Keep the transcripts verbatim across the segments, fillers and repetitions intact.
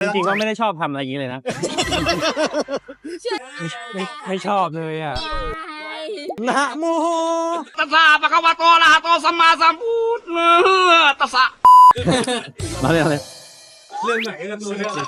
ริงๆก็ไม่ได้ชอบทำอะไรอย่างนี้เลยนะไม่ไม่ชอบเลยอ่ะนะโมตัสสะปะคะวะโตอะระหะโตสัมมาสัมพุทธัสสะมาเลยเลยเรื่องไหนเรื่องนู้นเรื่อง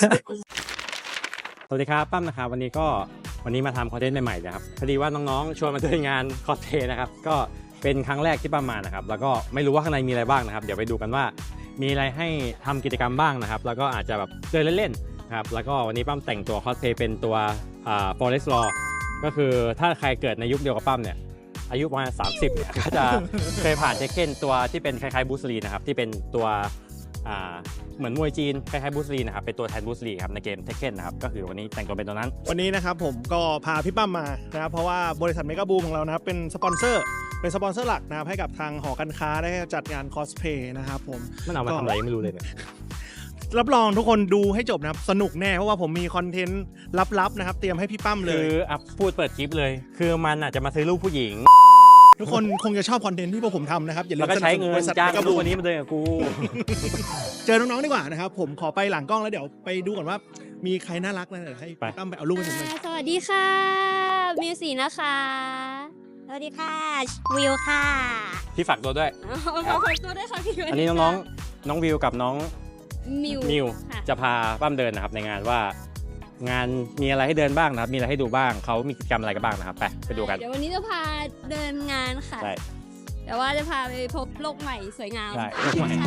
สวัสดีครับปั้มนะครับวันนี้ก็วันนี้มาทำคอนเทนต์ใหม่ๆนะครับพอดีว่าน้องๆชวนมาด้วยงานคอสเพลย์นะครับก็เป็นครั้งแรกที่ปั้มมานะครับแล้วก็ไม่รู้ว่าข้างในมีอะไรบ้างนะครับเดี๋ยวไปดูกันว่ามีอะไรให้ทำกิจกรรมบ้างนะครับแล้วก็อาจจะแบบเดินเล่นๆนะครับแล้วก็วันนี้ปั้มแต่งตัวคอสเพลย์เป็นตัวอ่า Forest Law ก็คือถ้าใครเกิดในยุคเดียวกับปั้มเนี่ยอายุประมาณสามสิบเนี่ยก็จะเคยผ่านเทคเก้นตัวที่เป็นคล้ายๆบูสลีนะครับที่เป็นตัวอ่าเหมือนมวยจีนคล้ายๆบูสลีนะครับเป็นตัวแทนบูสลีครับในเกมเทคเก้นนะครับก็คือวันนี้แต่งตัวเป็นตัวนั้นวันนี้นะครับผมก็พาพี่ปั้มมานะครับเพราะว่าบริษัทเมกาบูมของเรานะครับเป็นสปอนเซอร์เป็นสปอนเซอร์หลักนะครับให้กับทางหอการค้าได้จัดงานคอสเพลย์นะครับผมมันเอามาทำอะไรไม่รู้เลยเนี่ยรับรองทุกคนดูให้จบนะครับสนุกแน่เพราะว่าผมมีคอนเทนต์ลับๆนะครับเตรียมให้พี่ปั้มเลยคืออ่ะพูดเปิดคลิปเลยคือมันอาจจะมาซื้อรูปผู้หญิงทุกคนคงจะชอบคอนเทนต์ที่พวกผมทำนะครับอย่าลืมก็ใช้เงินจ้างรูปวันนี้มาเดินกับกูเจอน้องๆดีกว่านะครับผมขอไปหลังกล้องแล้วเดี๋ยวไปดูก่อนว่ามีใครน่ารักนะเดี๋ยวให้ตั้มไปเอารูปให้ผมหน่อยสวัสดีค่ะมิวสีนะคะสวัสดีค่ะวิวค่ะพี่ฝากตัวด้วยฝากตัวด้วยค่ะพี่อันนี้น้องๆน้องวิวกับน้องมิวมิวจะพาปั้มเดินนะครับในงานว่างานมีอะไรให้เดินบ้างนะครับมีอะไรให้ดูบ้างเขามีกิจกรรมอะไรกันบ้างนะครับไปไปดูกันเดี๋ยววันนี้จะพาเดินงานค่ะใช่แต่ว่าจะพาไปพบโลกใหม่สวยงามใช่โลกใหม่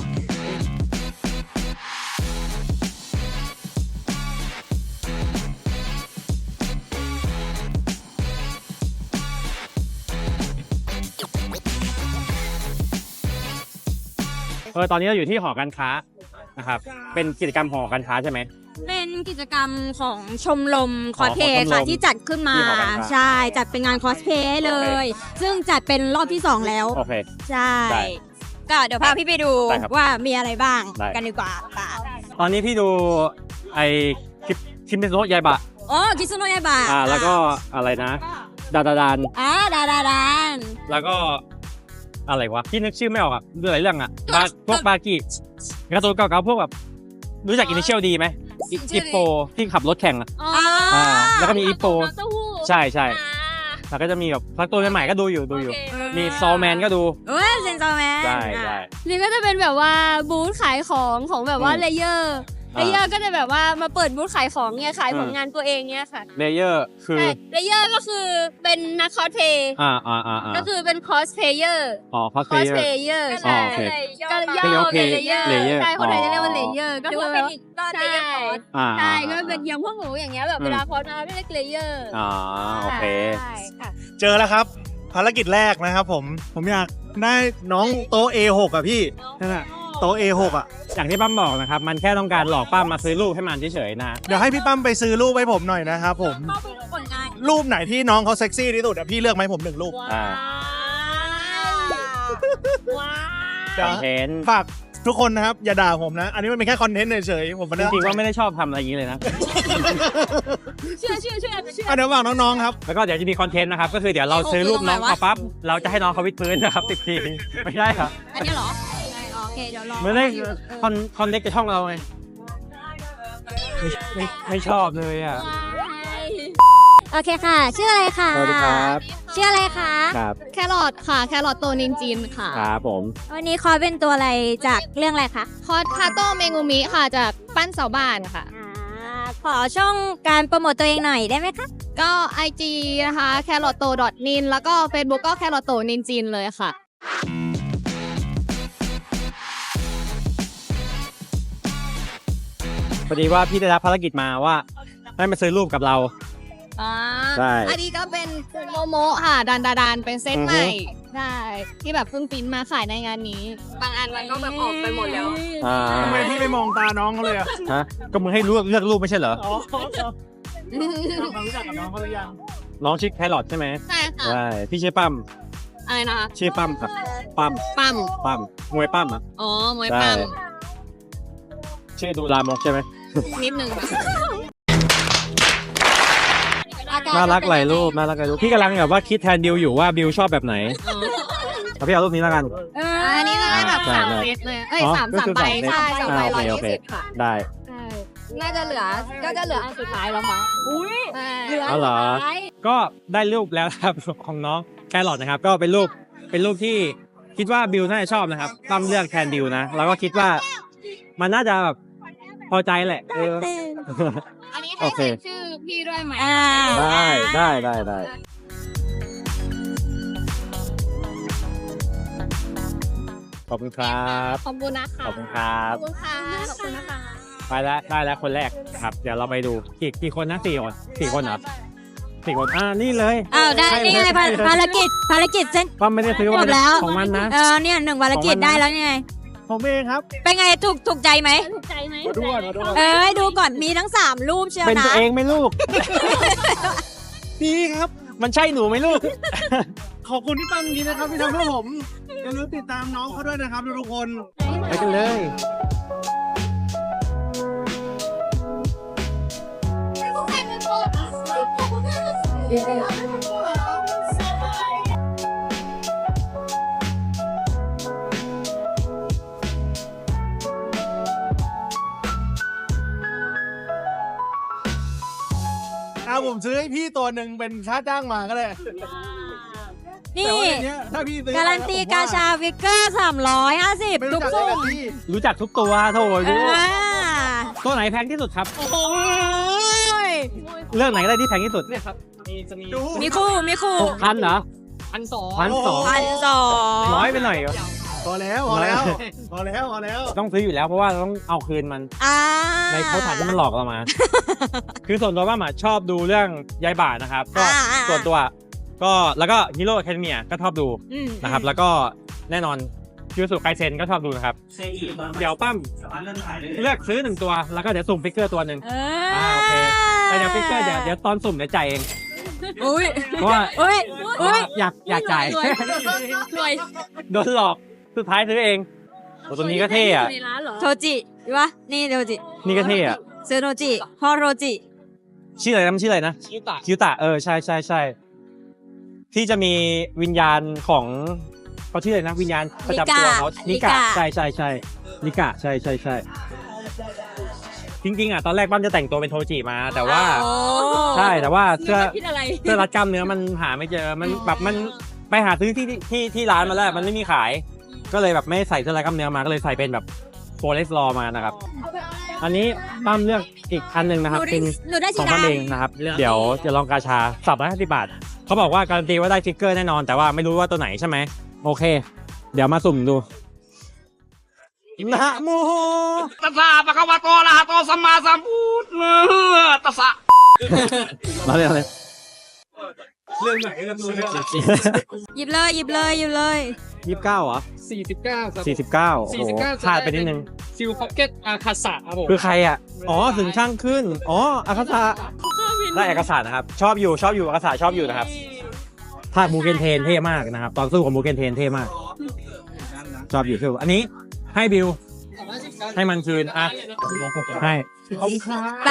เออตอนนี้เราอยู่ที่หอการค้านะครับเป็นกิจกรรมหอการค้าใช่ไหมเป็นกิจกรรมของชมรมคอสเพลย์ค่ะที่จัดขึ้นมาใช่จัดเป็นงานคอสเพลย์เลยซึ่งจัดเป็นรอบที่สองแล้วโอเคใช่ก็เดี๋ยวพาพี่ไปดูว่ามีอะไรบ้างกันดีกว่าตอนนี้พี่ดูไอคิปคิมเมโนะยายบะอ๋อคิซุโนะยายบะอ่าแล้วก็อะไรนะดาดาดานอ่าดาดาดานแล้วก็อะไรวะพี่นึกชื่อไม่ออกอ่ะเรื่องอะไรเรื่องอ่ะพวกบากิการ์ตูนเก่าๆพวกแบบรู้จักอินิเชียลดีไหมอิปโปที่ขับรถแข่งอ่ะอ่าแล้วก็มีอิปโปใช่ใช่แล้วก็จะมีแบบพักตัวใหม่ๆก็ดูอยู่ดูอยู่มีซอลแมนก็ดูเอ้ยเซนซอลแมนใช่ใช่นี่ก็จะเป็นแบบว่าบูธขายของของแบบว่าเลเยอร์เลเยอร์ก็จะแบบว่ามาเปิดบูธขายของเนี่ยขายผลงานตัวเองเนี่ยค่ะเลเยอร์คือเลเยอร์ก็คือเป็นนักคอสเพลย์อ่าอ่าอ่าก็คือเป็นคอสเพลเยอร์อ๋อคอสเพลเยอร์ใช่ก็ย่อเป็นเลเยอร์ใช่คนไทยจะเรียกว่าเลเยอร์ก็คือเป็นอีกก้อนเลเยอร์ใช่ก็เป็นอย่างพวกหนูอย่างเงี้ยแบบเวลาคอสมาเรียกเลเยอร์อ๋อโอเคเจอแล้วครับภารกิจแรกนะครับผมผมอยากได้น้องโต๊ะ เอ หก อ่ะพี่นั่นแหละโต๊ะ เอ หก อ่ะอย่างที่ปั้มบอกนะครับมันแค่ต้องการหลอกปั้มมาซื้อรูปให้มันเฉยๆนะเดี๋ยวให้พี่ปั้มไปซื้อรูปให้ผมหน่อยนะครับผมรูปไหนที่น้องเขาเซ็กซี่ที่สุดอ่ะพี่เลือกไหมผมหนึ่งรูปอ่าคอนเทนต์ฝากทุกคนนะครับอย่าด่าผมนะอันนี้มันเป็นแค่คอนเทนต์เฉยๆผมจริงๆว่าไม่ได้ชอบทำอะไรอย่างนี้เลยนะเชื่อเชื่อเชื่อเชื่อเดี๋ยวฝากน้องๆครับแล้วก็เดี๋ยวจะมีคอนเทนต์นะครับก็คือเดี๋ยวเราซื้อรูปน้องเขาปั๊บเราจะให้น้องเขาวิดพื้นนะครับสิบทีไม่ใช่ครับอันนี้เหรอโอเคเดี๋ยวรอไม่ได้คอนคอนเน็กกับช่องเราไงไม่ไม่ชอบเลยอ่ะโอเคค่ะชื่ออะไรคะสวัสดีครับชื่ออะไรคะครับแครอทค่ะแครอทโตนินจินค่ะครับผมวันนี้คอสเป็นตัวอะไรจากเรื่องอะไรคะคอสคาโตเมงูมิค่ะจากปั้นเสาบ้านค่ะขอช่องการโปรโมทตัวเองหน่อยได้ไหมคะก็ ไอ จี นะคะแครอทโตดอทนินแล้วก็ Facebook ก็แครอทโตนินจินเลยค่ะพอดีว่าพี่ได้รับภารกิจมาว่าให้มาซื้อรูปกับเราอ่าใช่อันนี้ก็เป็นโมโมค่ะดันดาดานเป็นเซตใหม่ใช่ที่แบบเพิ่งปิ้นมาขายในงานนี้บางอันมันก็แบบออกไปหมดแล้วทำไมพี่ไม่มองตาน้องเขาเลยอะฮะก็มึงให้เลือกเลือกรูปไม่ใช่เหรออ๋อเรารู้จักกับน้องเขาหรือยังน้องชื่อแครอทใช่ไหมใช่ค่ะใช่พี่ชื่อปั้มอะไรนะคะชื่อปั้มครับปั้มปั้มปั้มมวยปั้มอ่ะอ๋อมวยปั้มชื่อดูลามกใช่ไหมนิดนึงน่ารักหลายรูปน่ารักหลายรูปพี่กำลังแบบว่าคิดแทนบิวอยู่ว่าบิวชอบแบบไหนเอาพี่เอารูปนี้แล้วกันอันนี้ได้แบบสามเซตเลยเอ้ยสามสามใบใช่สามใบร้อยยี่สิบค่ะได้ใช่น่าจะเหลือก็จะเหลืออันสุดท้ายแล้วมั้งอุ้ยเหลืออ๋อเหรอ ก็ได้รูปแล้วครับ ของน้องแครอทนะครับ ก็เป็นรูปเป็นรูปที่คิดว่าบิวน่าจะชอบนะครับตั้มเลือกแทนบิวนะแล้วก็คิดว่ามันน่าจะแบบพอใจแหละเอออันนี้โอให้เคใส่ชื่อพี่ด้วยไหมได้ได้ได้ได้ขอบคุณครับขอบคุณนะคะขอบคุณครับขอบคุณค่ะขอบคุณนะคะไปแล้วได้แล้วคนแรกครับ เดี๋ยวเราไปดูกี่กี่คนนะสี่คนสี่คนเหรอสี่คนอ่านี่เลยอ้าวได้ใช่นี่ไงใช่ภาใช่ภารกิจภารกิจเส้นป้าไม่ได้ซื้อจบแล้วของมันนะเออเนี่ยหนึ่งภารกิจของมันนะได้แล้วไงผมเองครับเป็นไงถูกถูกใจไหมถูกใจไหมมาดูก่อนมาดูก่อนเอ้ยดูก่อนมีทั้งสามรูปเชียวเป็นนะตัวเองไหมลูก นี่ครับ มันใช่หนูไหมลูกขอบคุณที่ตั้งนี้นะครับที่ทำเพื่อผมอย่าลืมติดตามน้องเขาด้วยนะครับทุกคนไปกันเลยอ่าผมซื้อให้พี่ตัวหนึ่งเป็นค่าจ้างมาก็ได้นี่แต่ว่าในเนี้ยถ้าพี่ซื้อการันตีกาชาฟิกเกอร์สามร้อยห้าสิบไม่ทุรู้กจักสุ่ได้มแต่พี่รู้จักทุกตัวโถเอรู้อตัวไหนแพงที่สุดครับโอ้ยเรื่องไหนก็ได้ที่แพงที่สุดเนี่ยครับดูมีคู่มีคู่หกพันเหรอพันสองพันสองพันสองน้อยไปหน่อยเหรอพอแล้วพอแล้วพอแล้วพอแล้วต้องซื้ออยู่แล้วเพราะว่าเราต้องเอาคืนมันอ่าในโพสต์ถ่ายที่มันหลอกเรามา คือส่วนตัวว่าหมาชอบดูเรื่องยายบ่านะครับ ก็อ่าอ่าส่วนตัว ก็แล้วก็ฮีโร่แคทเมียก็ชอบดูอืมนะครับ แล้วก็แน่นอนคิวสุไคเซนก็ชอบดูนะครับ เดี๋ยวปั้มเลือกซื้อหนึ่งตัว แล้วก็เดี๋ยวสุ่มฟิกเกอร์ตัวหนึ่งเอออ่าโอเค แต่เดี๋ยวฟิกเกอร์เดี๋ยวเดี๋ยวตอนสุ่มเดี๋ยวจ่ายเองอุ้ยเพราะว่าอุ้ยอุ้ยอยากอยากจ่ายรวยรวยโดนหลอกสุดท้ายซื้อเองโอ้ตัวนี้ก็เท่อะในร้านเหรอโทจิวะนี่โทจินี่ก็เท่อะซื้อโทจิฮอโรจิชื่ออะไรนะมันชื่ออะไรนะคิวตะคิวตะเออใช่ใช่ใช่ที่จะมีวิญญาณของเขาชื่ออะไรนะวิญญาณประจำตัวเขานิกะใช่ใช่ใช่นิกะใช่ใช่ใช่จริงๆอ่ะตอนแรกบ้านจะแต่งตัวเป็นโทจิมา แต่ว่าโอ้ใช่แต่ว่าเสื้อคิดอะไรเสื้อรัดกล้ามเนื้อมันหาไม่เจอมันแบบมันไปหาซื้อที่ที่ที่ที่ร้านมาแล้วมันไม่มีขาย ก็เลยแบบไม่ใส่เสื้อรัดกล้ามเนื้อมาก็เลยใส่เป็นแบบโฟเลสลอมานะครับอันนี้ตั้มเลือกอีกอันหนึ่งนะครับเป็นหนูได้ขสีองมันดำเองนะครับ เดี๋ยวจะลองกาชาสับร้อยห้าสิบบาท เขาบอกว่าการันตีว่าได้ฟิกเกอร์แน่นอน แต่ว่าไม่รู้ว่าตัวไหนใช่ไหม โอเค เดี๋ยวมาสุ่มดูนะโมตัสสะปะคะวะโตอะระหะโตสัมมาสัมพุทธัสสะมาเลยมาเลยเรื่องไหนเรื่องนู้นเรื่องหยิบเลยหยิบเลยหยิบเลยยี่สิบเก้าเหรอสี่สิบเก้าครับสี่สิบเก้าสี่สิบเก้าขาดไปนิดนึงซิลพ็อกเก็ตอาคาสะครับผมคือใครอ่ะ อ๋อ ถึงช่างขึ้น อ๋ออาคาซาได้อาคาซานะครับ ชอบอยู่ ชอบอยู่อาคาซาชอบอยู่นะครับภาคมูเกนเทนเท่มากนะครับ ตอนสู้ของมูเกนเทนเท่มาก ชอบอยู่คืออันนี้ให้บิว ให้มันคืน อ่ะ ให้ขอบคุณครับไป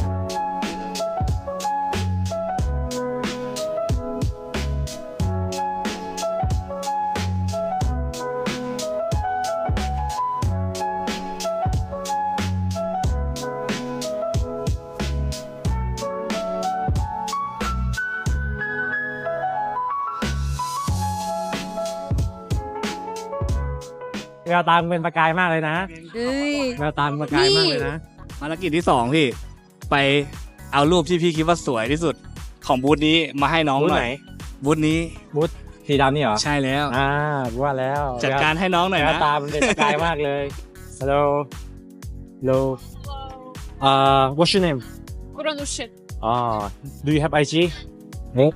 แววตาเป็นประกายมากเลยนะเอ้ยแววตาประกายมากเลยนะภารกิจที่สองพี่ ไปเอารูปที่พี่คิดว่าสวยที่สุดของบูธนี้มาให้น้องบูธหน่ไหอน ยบูธนี้บูธสีดำนี่เหรอใช่แล้วอ่าว่าแล้วจัดการให้น้องหน่อยแวนะวตามันเป็นประกายมากเลย Hello Hello uh what's your name กุรนุชิต oh do you have I G no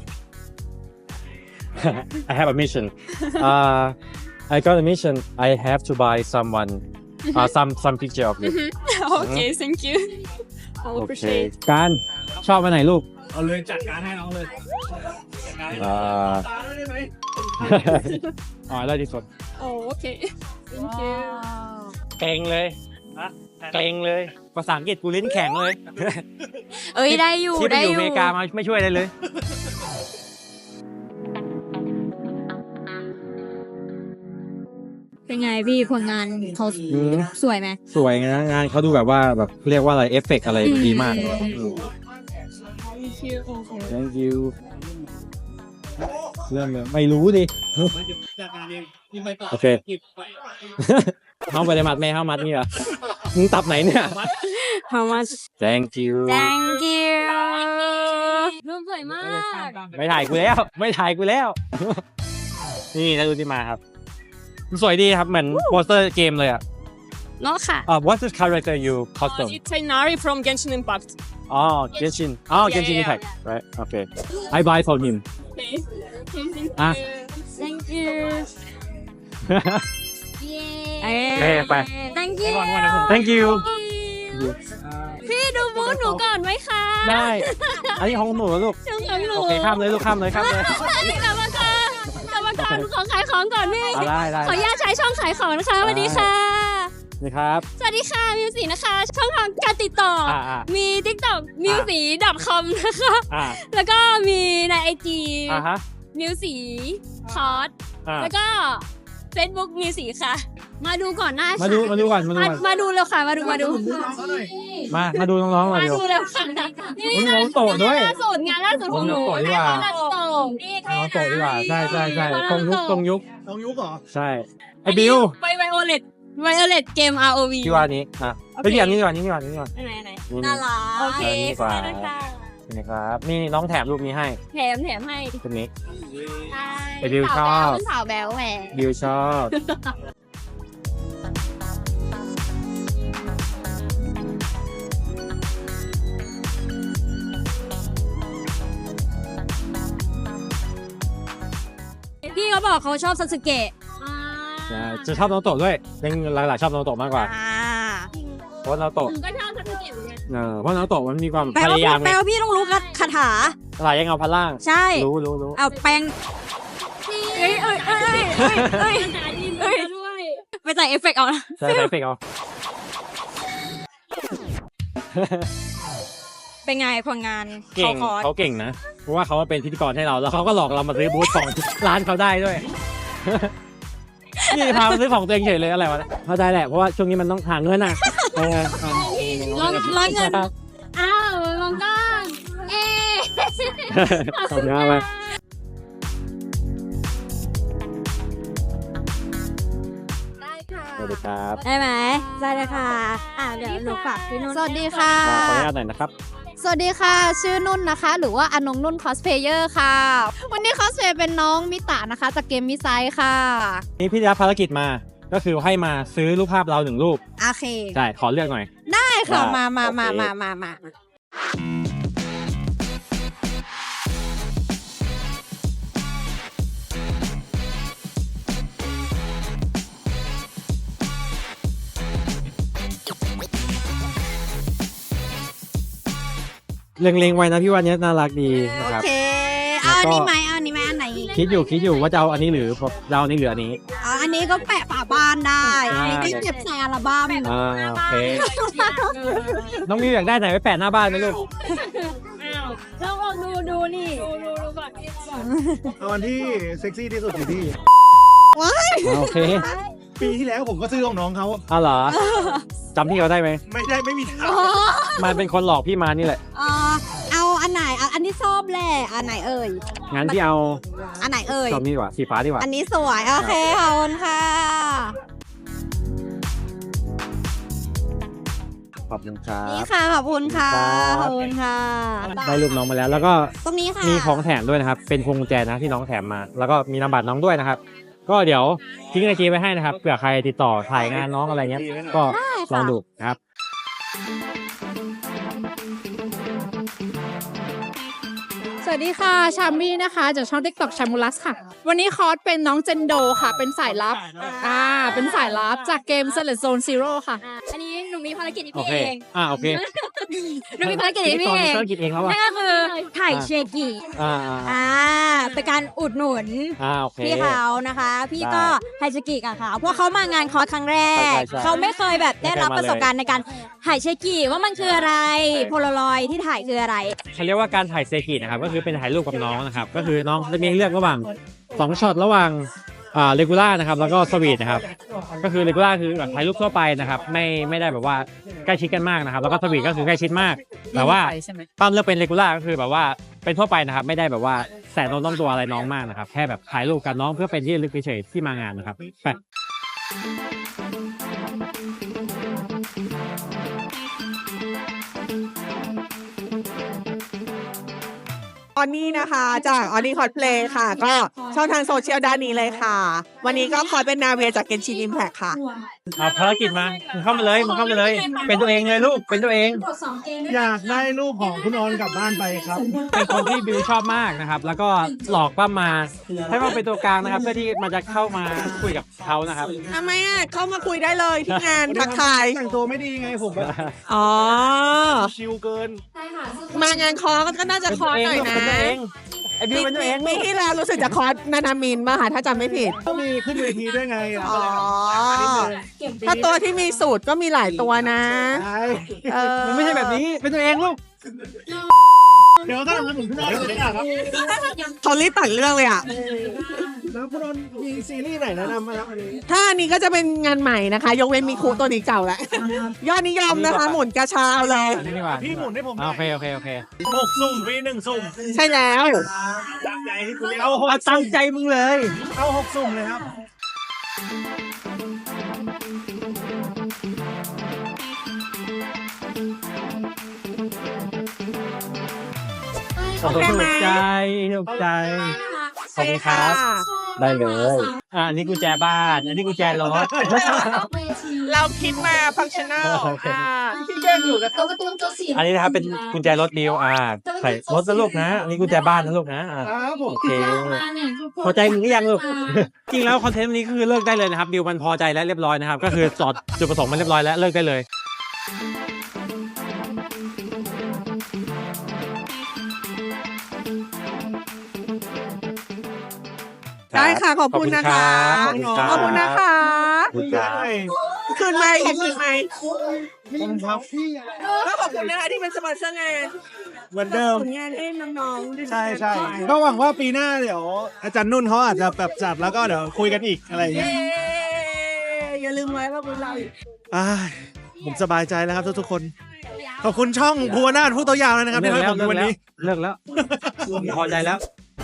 I have a mission uh I got a mission I have to buy someone uh some some picture of you โอเค thank you I โอเค appreciate การชอบไปไหนลูกเอาเลยจัดการให้น้องเลยจัดการให้น้องอ่าตาได้ไหมอ๋อได้ที่สุดโอโอเค thank you เก่งเลยเก่งเลยภาษาอังกฤษกูลิ้นแข็งเลยเอ้ยได้อยู่ที่ไปได้ออยู่ ยู่อเมริกามาไม่ช่วยอะไรเลยคเป็นไงพี่ผลงานเขาอืมสวยไหมสวยนะงานเขาดูแบบว่าแบบเรียกว่าอะไรเอฟเฟกต์อะไรดีมาก thank you เริ่มเลยไม่รู้ดิ โอเค เข้าไปในมัดแม่เข้ามัดนี่เหรอมึงตับไหนเนี่ย How much thank you Thank you รูปสวยมากไม่ถ่ายกูแล้ว ไม่ถ่ายกูแล้ว นี่แล้วดูที่มาครับสวยดีครับเหมือนโปสเตอร์เกมเลยอ่ะเนาะค่ะอ่า what's the character you custom It's Inari from Genshin Impact. อ๋อ Genshin อ๋อ Genshin Yeah, yeah, Impact right okay I buy from him อ่ะ Thank you เอ้ยไป Thank you thank you พี่ดูบูธหนูก่อนไหมคะได้ อันนี้ของหนูนะลูกช่วงของหนูโอเคข้ามเลยลูกข้ามเลยข้ามเลยกรรมการกรรมการขอขายของก่อนพี่อ่ะได้ได้ขออนุญาตใช้ช่องขายของนะคะสวัสดีค่ะนี่ครับสวัสดีค่ะมิวสีนะคะ ช่องทางการติดต่อออ่าอ่ามี TikTok มิวสี .com นะคะอ่าแล้วก็มีใน ไอ จีอ่าฮะมิวสีคอร์สอ่าแล้วก็ Facebook มิวสีค่ะ มาดูก่อนหน้ามาดูมาดูก่อนมาดูมาก่อนมาดูแล้วค่ะ มาดูมาดูมามาดูน้องๆหน่อยมาเดี๋ยวดูแล้วค่ะอุ๊ยน้องโตด้วยงานล่าสุดงานล่าสุดของหนูน้องโตดีกว่างานโตนี่น้องโตดีกว่าใช่ใช่ใช่ตรงยุคตรงยุคน้องยุกเหรอใช่ไอ้บิวไวไวโอเลตไวโอเลตเกม อาร์ โอ วีที่ว่านี้อ่ะโอเคไปที่อันนี้ดีกว่านี้ดีกว่านี้ดีกว่าไหนไหนนี่น่ารักโอเคเออนี่ดีกว่าขอบคุณค่ะนี่นะครับนี่น้องแถมรูปนี้ให้แถมแถมให้คนนี้ใช่ไอ้บิวชอบสาวแบ๊วแหวบิวชอบพี่เขาบอกเขาชอบซาสึเกะใช่จะชอบน้องโตด้วยยังหลายๆชอบน้องโตมากกว่าอ่าเพราะน้องโตหนูก็ชอบซาสึเกะเหมือนกันเออเพราะน้องโตมันมีความแปลพว่ายายามแปลไงว่าพี่ต้องรู้คาถาหลายยังเอาพันล่างใช่รู้รู้รู้เอาแปลงเอ้ยเอ้ยเอ้ยเอ้ยเอ้ยเอ้ยไปใส่เอฟเฟกต์เอานะใช่ใช่เฟกเอาเป็นไงผลงานเก่งขอเขาเก่งนะ เพราะว่าเขาเป็นพิธีกรให้เรา แล้วเขาก็หลอกเรามาซื้อบูธของ ร้านเขาได้ด้วย นี่พามาซื้อของตัวเองเฉยเลยอะไรวะเข้าใจแหละเพราะว่าช่วงนี้มันต้องหาเงินอ่ะเออเออร้อนร้อนเงิน อ้าวลองก้อนเอ๊ขอบคุณมากเลยได้ค่ะสวัสดีครับได้ไหมได้เลยค่ะ อ่าเดี๋ยวหนูฝากพี่นุ่นสวัสดีค่ะขออนุญาตหน่อยนะครับสวัสดีค่ะ ชื่อนุ่นนะคะ หรือว่าอนงนุ่นคอสเพลเยอร์ค่ะ วันนี้คอสเพลย์เป็นน้องมิตะนะคะ จากเกมมิไซค่ะนี่พี่ได้รับภารกิจมา ก็คือให้มาซื้อรูปภาพเราหนึ่งรูปโอเคใช่ ขอเลือกหน่อยได้ค่ะได้มามามาโอเคมามามาเล็งๆไว้นะพี่ว่านี้น่ารักดีนะโอครับเค เอาอันแล้วก็นี้ไหมเอาอันนี้ไหมอันไหนคิดอยู่คิดอยู่ว่าจะเอาอันนี้หรือจะเอาอันนี้หรืออันนี้อ๋ออันนี้ก็แปะฝาบ้านได้อ่าอันนี้ก็เก็บใส่อัลบั้มอ่าโอเค น้องมิวอยากได้ไหนไว้แปะหน้าบ้านไหมลูกลองลองดูดูนี่ดูดูดูก่อนเอาอันที่เซ็กซี่ที่สุดอยู่ที่โอเคปีที่แล้วผมก็ซื้อของน้องเขาอ้าวเหรอจำพี่เขาได้ไหมไม่ได้ไม่มีทางมันเป็นคนหลอกพี่มานี่แหละอ๋อเอาอันไหนอ่ะอันที่ชอบแหละอันไหนเอ่ยงั้นพี่เอาอันไหนเอ่ยชอบนี่ดีกว่าสีฟ้าดีกว่าอันนี้สวย โอเค ขอบคุณค่ะขอบคุณครันี่บค่ะ ขอบคุณค่ะครับขอบคุณค่ะได้รูปน้องมาแล้ว แล้วก็ตรงนี้ค่ะมีของแถมด้วยนะครับ เป็นพวงกุญแจนะที่น้องแถมมา แล้วก็มีนามบัตรน้องด้วยนะครับ ก็เดี๋ยวทิ้งไอจีไว้ให้นะครับ เผื่อใครติดต่อถ่ายงานน้องอะไรเงี้ย ก็ลองดูนะครับสวัสดีค่ะ ชามี่นะคะ จากช่อง TikTok ชามูลัสค่ะ วันนี้คอร์สเป็นน้องเจนโดค่ะ เป็นสายลับ อ่า เป็นสายลับจากเกม Select Zone Zero ค่ะอันนี้หนูมีภารกิจที่โอพี่เคเองอ่าโอเคหนูมีภารกิจที่พี่เองธุรกิจเองแล้วอ่ะนั่นก็คือถ่ายเชกิอ่าอ่าอ่าเป็นการอุดหนุนอ่าโอเคพี่เขานะคะ พี่ได้ก็ไฮเชกิกับเขาเพราะเขามางานคอร์สครั้งแรกใช่ใช่เขาไม่เคยแบบได้รับไม่เคยมาประสบการณ์ในการถ่ายเชกิว่ามันคืออะไร โพลารอยด์ที่ถ่ายคืออะไรเขาเรียกว่าการถ่ายเซกินะครับ ก็คือเป็นถ่ายรูปกับน้องนะครับ ก็คือน้องจะมีให้เลือกระหว่างสองช็อตระหว่างอ่าเรกูล่านะครับแล้วก็สวีทนะครับก็คือเรกูล่าคือแบบถ่ายรูปทั่วไปนะครับไม่ไม่ได้แบบว่าใกล้ชิดกันมากนะครับแล้วก็สวีทก็คือใกล้ชิดมากแต่ว่าปั้มเลือกเป็นเรกูล่าก็คือแบบว่าเป็นทั่วไปนะครับไม่ได้แบบว่าแสนต้องต้องตัวอะไรน้องมากนะครับแค่แบบถ่ายรูปกับน้องเพื่อเป็นที่ระลึกเฉยๆที่มางานนะครับไปออนนี่นะคะจากออนนี่คอสเพลย์ค่ะ ก็ช่องทางโซเชียลด้านนี้เลยค่ะ วันนี้ก็คอยเป็นนาเวียจากเกนชินอิมแพคค่ะเอาภารกิจมามึงเข้ามาเลยมึงเข้ามาเลย เป็นตัวเองเลยลูกเป็นตัวเองอยากได้ลูกของคุณออนกลับบ้านไปครับเป็นคนที่บิวชอบมากนะครับแล้วก็หลอกป้ามาให้มาเป็นตัวกลางนะครับเพื่อที่มันจะเข้ามาคุยกับเขานะครับทำไมอ่ะ เข้ามาคุยได้เลยที่งานทักทายแต่งตัวไม่ดีไงผมแบบอ๋อชิลเกินมางานคอร์สก็น่าจะคอร์สหน่อยนะเป็นตัวเองไอบิวเป็นตัวเองปีที่แล้วรู้สึกจะคอร์สนานามินมาค่ะถ้าจำไม่ผิดก็มีขึ้นเวทีด้วยไงอ๋อ ถ้าตัวที่มีสูตรก็มีหลายตัวนะใช่เออมันไม่ใช่แบบนี้เป็นตัวเองลูกเดี๋ยวถ้าอย่างนั้นผมคุณออนไม่ได้ครับเขารีบตัดเรื่องเลยอ่ะแล้วคุณออนมีซีรีส์ไหนแนะนำไหมครับอันนี้ถ้าอันนี้ก็จะเป็นงานใหม่นะคะ ยกเว้นมีครูตัวนี้เก่าแล้ว ยอดนิยมนะคะ หมุนกระเช้าเลยอันนี้ดีกว่าพี่หมุนให้ผมอ่าโอเคโอเคโอเคหกสุ่มวีหนึ่งสุ่มใช่แล้วตั้งใจให้คุณเอาเอาตั้งใจมึงเลยเอาหกสุ่มเลยครับโอ้โหถูกใจถูกใจขอบคุณครับได้เลยอ่าอันนี้กุญแจบ้านอันนี้กุญแจรถเราคิดมาฟังชั่นแนลโอเคที่เดินอยู่กับอันนี้นะครับเป็นกุญแจรถดิวอ่าใส่รถนะลูกนะอันนี้กุญแจบ้านนะลูกนะอ่าครับผมโอเคพอใจมึงหรือยังลูก จริงแล้วคอนเทนต์วันนี้คือเลิกได้เลยนะครับดิวมันพอใจแล้วเรียบร้อยนะครับก็คือจอดจุดประสงค์มันเรียบร้อยแล้วเลิกได้เลยได้ค่ะขอบคุณนะคะขอบคุณครับขอบคุณนะคะขอบคุณครับคืนไหมคืนไหมผมครับพี่ก็ขอบคุณนะคะที่เป็นสปอนเซอร์งานเหมือนเดิมผลงานให้น้องๆด้วยใช่ใช่ก็หวังว่าปีหน้าเดี๋ยว อาจารย์นุ่นเขาอาจจะแบบจัดแล้วก็เดี๋ยวคุยกันอีกอะไรอย่างเย้เงี้ยอย่าลืมไว้ว่าพวกเราอ้ายผมสบายใจแล้วครับทุกๆคน ขอบคุณช่องภูวนาถผู้ตัวยาวเลยนะครับที่ให้ผมดูวันนี้เลิกแล้วพอใจแล้ว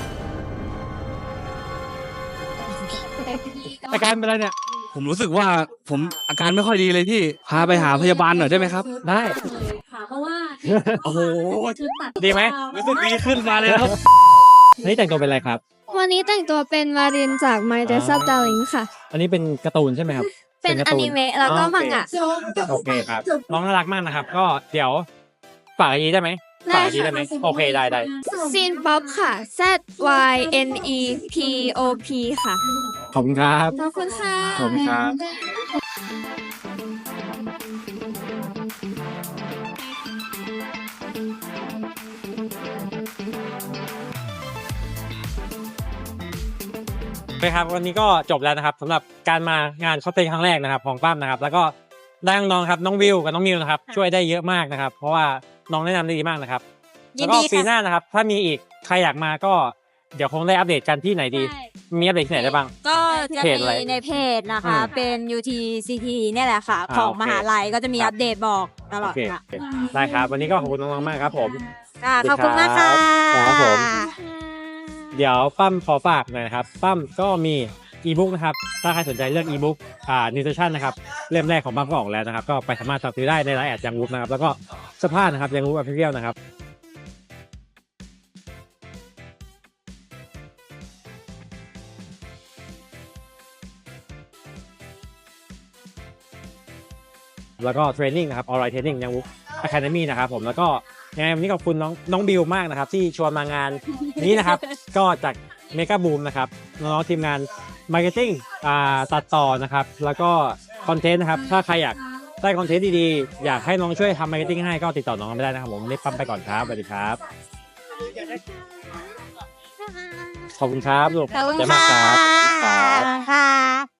อาการเป็นไรเนี่ยผมรู้สึกว่าผมอาการไม่ค่อยดีเลยพี่ พาไปหาพยาบาลหน่อยได้ไหมครับได้ค่ะเพราะว่าโอ้โหชุดตัดดีไหมรู้สึกดีขึ้นมาเลยครับนี่แต่งตัวเป็นอะไรครับวันนี้แต่งตัวเป็นวารินจาก My Dress Up Darling ค่ะอันนี้เป็นการ์ตูนใช่ไหมครับเป็นการ์อตูนิเมะแล้วก็มังงะโอเคครับน้องน่ารักมากนะครับ ก็เดี๋ยวฝากไอจีได้ไหมฝากไอจีได้ไหมโอเคได้ได้ซีนป๊อปค่ะ Z Y N E P O P ค่ะขอบคุณครับขอบคุณค่ะขอบคุณครับ โอเคครับวันนี้ก็จบแล้วนะครับสำหรับการมางานคอสเพลย์ครั้งแรกนะครับของปั้มนะครับ แล้วก็ได้น้องๆครับน้องวิวกับน้องมิวนะครับช่วยได้เยอะมากนะครับ เพราะว่าน้องแนะนำได้ดีมากนะครับยิแล้วนก็ดีปีค่ะหน้านะครับ ถ้ามีอีกใครอยากมาก็เดี๋ยวคงได้อัปเดตกันที่ไหนดี มีอัปเดตที่ไหนได้บ้างก็จะเพจอะไรมีในเพจนะคะอืมเป็น ยู ที ซี ที เนี่ยแหละค่ะอ่าของโอเคมหาลัยก็จะมีครับอัปเดตบอกตลโออดเคค่ะโอเคได้ครับวันนี้ก็ขอบคุณน้องๆมากครับผมค่ะขอบคุณมากค่ะครับผม เดี๋ยวปั้มขอฝากหน่อยนะครับปั้มก็มีอีบุ๊กนะครับถ้าใครสนใจเรื่องอีบุ๊กอ่านิวทริชั่นนะครับเล่มแรกของปั้มก็ออกแล้วนะครับก็ไปสามารถสั่งซื้อได้ในไลน์แอดยังวูฟนะครับแล้วก็เสื้อผ้านะครับยังวูฟออฟฟิเชียลนะครับแล้วก็เทรนนิ่งนะครับออนไลน์เทรนนิ่งยังวูฟอะคาเดมี่นะครับผมแล้วก็ยังไงวันนี้ขอบคุณน้องน้องบิวมากนะครับที่ชวนมางานนี้นะครับ ก็จากเมกาบูมนะครับน้องๆทีมงานมาร์เก็ตติ้งอ่าตัดต่อนะครับแล้วก็คอนเทนต์นะครับถ้าใครอยากได้คอนเทนต์ดีๆอยากให้น้องช่วยทำมาร์เก็ตติ้งให้ก็ติดต่อน้องไม่ได้นะครับผมนี่ปั๊มไปก่อนครับสวัสดีครับขอบคุณครับลูกขอบคุณเดี๋ยวมาค่ะครับครับค่ะ